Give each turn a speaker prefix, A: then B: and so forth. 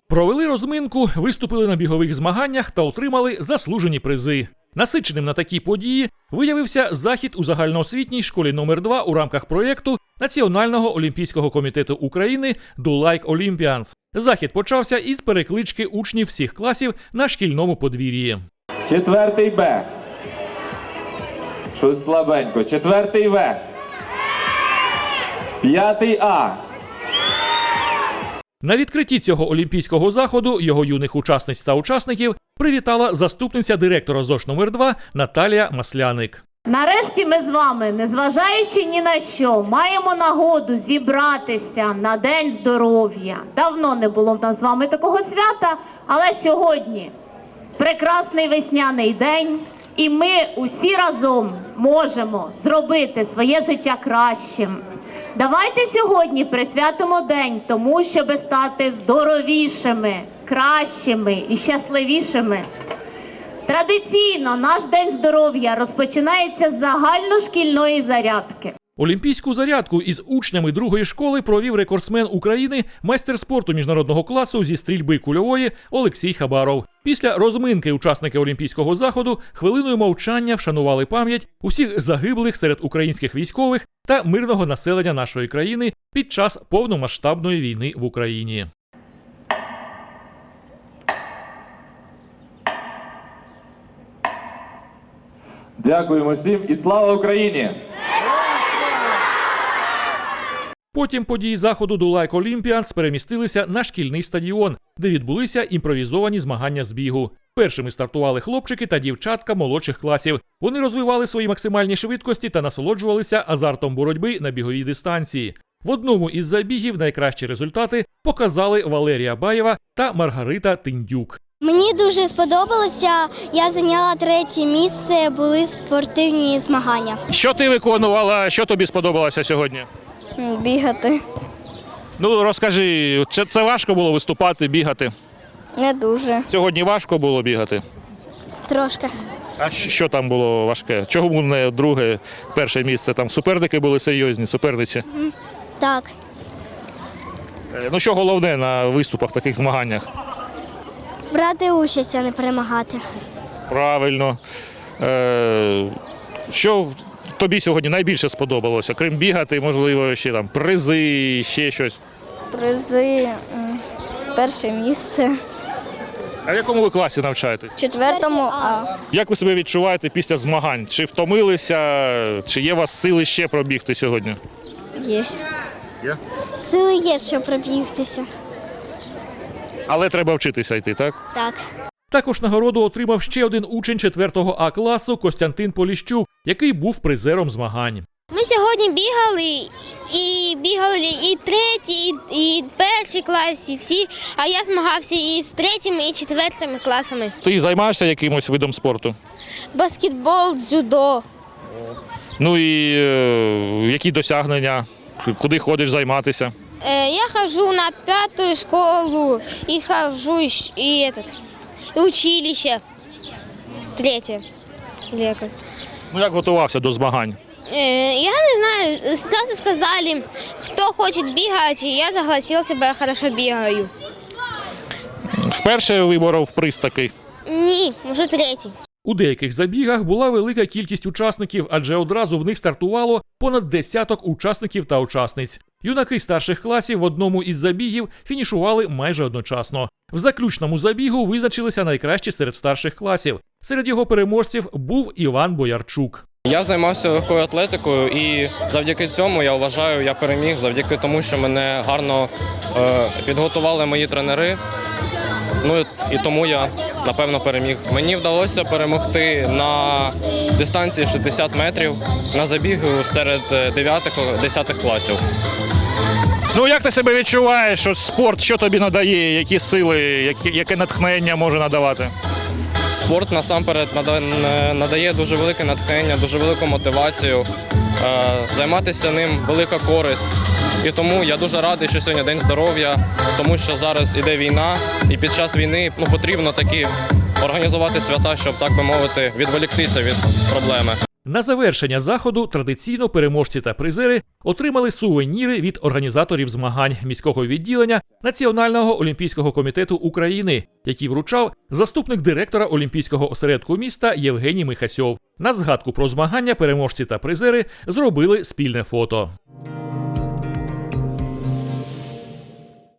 A: Провели розминку, виступили на бігових змаганнях та отримали заслужені призи. Насиченим на такі події виявився захід у загальноосвітній школі номер 2 у рамках проєкту Національного олімпійського комітету України «Do Like Olympians». Захід почався із переклички учнів всіх класів на шкільному подвір'ї.
B: 4 Б. Щось слабенько. 4 В. 5 А.
A: На відкритті цього олімпійського заходу його юних учасниць та учасників привітала заступниця директора ЗОШ номер 2 Наталія Масляник.
C: Нарешті ми з вами, незважаючи ні на що, маємо нагоду зібратися на День здоров'я. Давно не було в нас з вами такого свята, але сьогодні прекрасний весняний день, і ми усі разом можемо зробити своє життя кращим. Давайте сьогодні присвятимо день тому, щоб стати здоровішими, кращими і щасливішими. Традиційно наш День здоров'я розпочинається з загальношкільної зарядки.
A: Олімпійську зарядку із учнями другої школи провів рекордсмен України, майстер спорту міжнародного класу зі стрільби кульової Олексій Хабаров. Після розминки учасники олімпійського заходу хвилиною мовчання вшанували пам'ять усіх загиблих серед українських військових та мирного населення нашої країни під час повномасштабної війни в Україні.
B: Дякуємо всім і слава Україні!
A: Потім події заходу «Do Like Olympians» перемістилися на шкільний стадіон, де відбулися імпровізовані змагання з бігу. Першими стартували хлопчики та дівчатка молодших класів. Вони розвивали свої максимальні швидкості та насолоджувалися азартом боротьби на біговій дистанції. В одному із забігів найкращі результати показали Валерія Баєва та Маргарита Тиндюк.
D: Мені дуже сподобалося, я зайняла 3-е місце, були спортивні змагання.
E: Що ти виконувала, що тобі сподобалося сьогодні?
D: Бігати.
E: Ну, розкажи, це важко було виступати, бігати?
D: Не дуже.
E: Сьогодні важко було бігати?
D: Трошки.
E: А що там було важке? Чому не друге, перше місце? Там суперники були серйозні, суперниці?
D: Так.
E: Ну, що головне на виступах, таких змаганнях?
D: Брати участь, а не перемагати.
E: Правильно. Що тобі сьогодні найбільше сподобалося? Крім бігати, можливо, ще там призи, ще щось?
D: Призи, 1-е місце.
E: А в якому ви класі навчаєтесь?
D: 4-му А.
E: Як ви себе відчуваєте після змагань? Чи втомилися, чи є у вас сили ще пробігти сьогодні?
D: Є.
E: Є?
D: Сили є, щоб пробігтися.
E: Але треба вчитися йти, так?
D: Так.
A: Також нагороду отримав ще один учень 4-го А класу Костянтин Поліщук, який був призером змагань.
F: Ми сьогодні бігали і 3-й, і 1-й класі, всі, а я змагався і з 3-м, і 4-м класами.
E: Ти займаєшся якимось видом спорту?
F: Баскетбол, дзюдо.
E: Ну і які досягнення? Куди ходиш займатися?
F: Я хожу на 5-ю школу і хожу і училище. 3-е.
E: Ну як готувався до змагань?
F: Я не знаю, сразу сказали, кто хочет бегать, и я согласился, бо я хорошо бегаю.
E: Вперше виборов приз такий?
F: Ні, вже 3-й.
A: У деяких забігах була велика кількість учасників, адже одразу в них стартувало понад десяток учасників та учасниць. Юнаки старших класів в одному із забігів фінішували майже одночасно. В заключному забігу визначилися найкращі серед старших класів. Серед його переможців був Іван Боярчук.
G: Я займався легкою атлетикою і завдяки цьому, я вважаю, я переміг, завдяки тому, що мене гарно підготували мої тренери. Ну і тому я, напевно, переміг. Мені вдалося перемогти на дистанції 60 метрів на забігу серед 9-10 класів.
E: Ну як ти себе відчуваєш? Спорт що тобі надає? Які сили, яке натхнення може надавати?
G: Спорт насамперед надає дуже велике натхнення, дуже велику мотивацію. Займатися ним велика користь. І тому я дуже радий, що сьогодні День здоров'я, тому що зараз іде війна, і під час війни потрібно такі організувати свята, щоб, так би мовити, відволіктися від проблеми.
A: На завершення заходу традиційно переможці та призери отримали сувеніри від організаторів змагань міського відділення Національного олімпійського комітету України, який вручав заступник директора Олімпійського осередку міста Євгеній Михасьов. На згадку про змагання переможці та призери зробили спільне фото.